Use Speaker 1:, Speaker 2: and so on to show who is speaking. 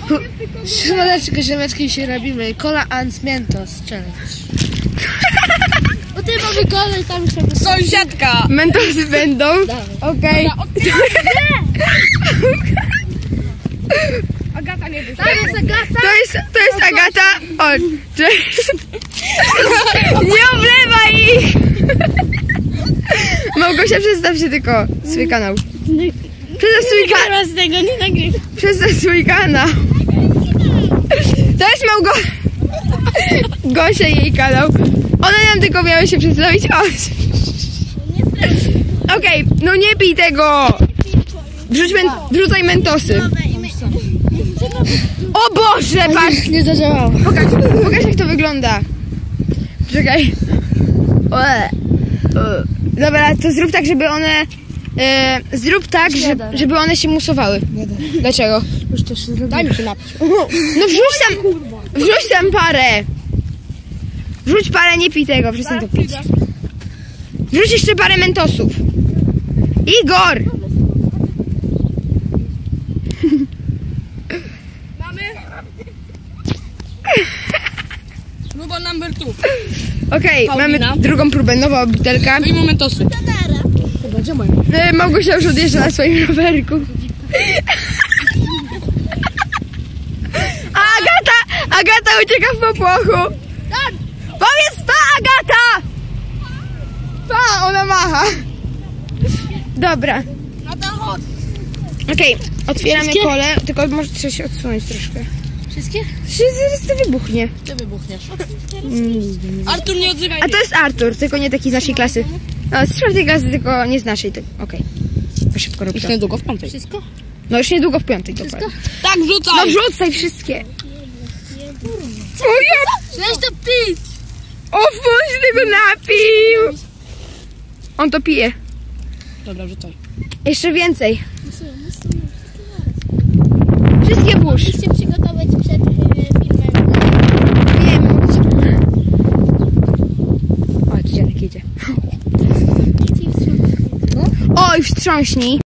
Speaker 1: Ziomeczki się robimy. Cola and Mentos challenge. Bo ty mamy kolej tam sobie.
Speaker 2: Sąsiadka!
Speaker 3: Mentosy będą? Okej.
Speaker 2: Agata nie wyszła.
Speaker 1: To jest Agata.
Speaker 3: To jest Agata. O, cześć. Nie oblewaj ich! Małgosia, przedstaw się tylko swój kanał. Przedstaw swój kanał.
Speaker 1: Z tego nie nagrywam.
Speaker 3: Przedstaw swój kanał. To jest Gosia i jej kanał. One nam tylko miały się przedstawić. Okej, no nie pij tego. Wrzucaj mentosy. O Boże, patrz.
Speaker 1: Nie zadziałało.
Speaker 3: Pokaż jak to wygląda. Czekaj. Dobra, to zrób tak, żeby one... żeby one się musowały. Dlaczego?
Speaker 1: Już to się zrobiło.
Speaker 2: Daj mi się napić.
Speaker 3: No wrzuć tam parę. Wrzuć parę, nie pij tego, przestań to pić. Wrzuć jeszcze parę mentosów. Igor!
Speaker 2: Mamy? Próba number 2.
Speaker 3: Okej,
Speaker 2: Paulina.
Speaker 3: mamy drugą próbę, nowa butelka.
Speaker 2: I momentosy.
Speaker 1: Chyba, gdzie moja?
Speaker 3: Małgosia już odjeżdża na swoim rowerku. Agata ucieka w popłochu. Powiedz pa, Agata! Pa, ona macha. Dobra.
Speaker 2: No to chodź.
Speaker 3: Okej, otwieramy
Speaker 1: Wszystkie?
Speaker 3: kolę, tylko może trzeba się odsunąć troszkę.
Speaker 1: Wszystkie?
Speaker 3: Zaraz to wybuchnie.
Speaker 1: Ty wybuchniesz.
Speaker 2: Artur, nie odzywaj.
Speaker 3: A to jest Artur, tylko nie taki z naszej klasy. No, z czwartej klasy, tylko nie z naszej. Okej. To szybko rób
Speaker 2: Już
Speaker 3: to.
Speaker 2: niedługo w piątej.
Speaker 1: Wszystko?
Speaker 3: No już niedługo w piątek, dokładnie.
Speaker 2: Tak, wrzucaj!
Speaker 3: No wrzucaj wszystkie. O ja...
Speaker 1: Weź to pić!
Speaker 3: O, on się tego napił. On to pije.
Speaker 2: Dobra, wrzucaj.
Speaker 3: Jeszcze więcej. Wszystkie włóż.
Speaker 4: Musicie przygotować przed filmem.
Speaker 3: Wiem. O, dziadek jedzie. Oj, wstrząśnij.